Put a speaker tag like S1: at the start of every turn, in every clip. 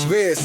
S1: Wiz,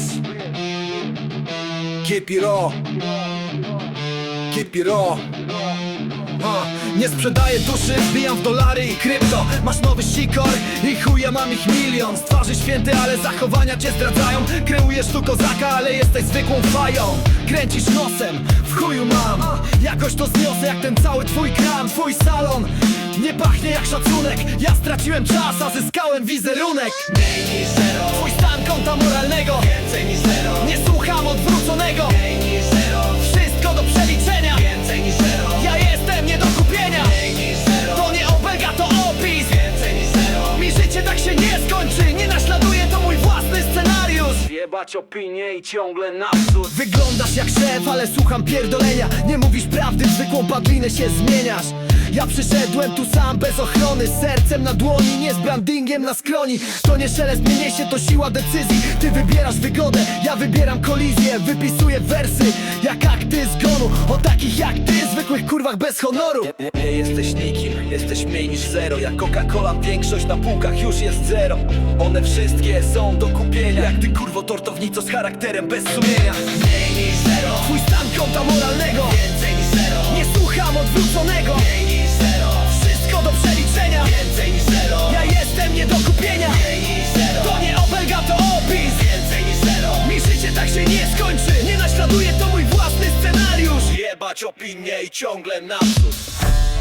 S1: keep it raw, keep it raw.
S2: Nie sprzedaję duszy, wbijam w dolary i krypto. Masz nowy sikor i chuja mam ich milion. Z twarzy święty, ale zachowania cię zdradzają. Kreujesz tu kozaka, ale jesteś zwykłą fają. Kręcisz nosem, w chuju mam. Jakoś to zniosę jak ten cały twój kram. Twój salon nie pachnie jak szacunek. Ja straciłem czas, a zyskałem wizerunek.
S3: Mniej niż zero,
S2: Twój stan konta moralnego.
S3: więcej niż zero,
S2: Nie słucham odwróconego.
S3: mniej niż zero,
S2: Wszystko do przeliczenia.
S3: więcej niż zero,
S2: Ja jestem nie do kupienia.
S3: mniej niż zero,
S2: To nie obelga, to opis.
S3: więcej niż zero.
S2: Mi życie tak się nie skończy. Nie naśladuję, to mój własny scenariusz.
S4: Jebać opinie i ciągle naprzód.
S2: Wyglądasz jak szef, ale słucham pierdolenia. Nie mówisz prawdy, w zwykłą padlinę się zmieniasz. Ja przyszedłem tu sam, bez ochrony, z sercem na dłoni, nie z brandingiem na skroni. To nie szelest mnie niesie, to siła decyzji. Ty wybierasz wygodę, ja wybieram kolizję. Wypisuję wersy, jak akty zgonu. O takich jak ty, zwykłych kurwach bez honoru.
S4: Nie jesteś nikim, jesteś mniej niż zero. Jak Coca-Cola, większość na półkach już jest zero. One wszystkie są do kupienia. Jak ty kurwo tortownico z charakterem bez sumienia.
S3: Mniej niż zero,
S2: Twój stan konta moralnego.
S3: więcej niż zero,
S2: Nie słucham odwróconego.
S3: mniej niż zero,
S2: Wszystko do przeliczenia.
S3: więcej niż zero,
S2: Ja jestem nie do kupienia.
S3: mniej niż zero,
S2: To nie obelga, to opis.
S3: więcej niż zero.
S2: Mi życie tak się nie skończy. Nie naśladuję, to mój własny scenariusz.
S4: Jebać opinie i ciągle naprzód.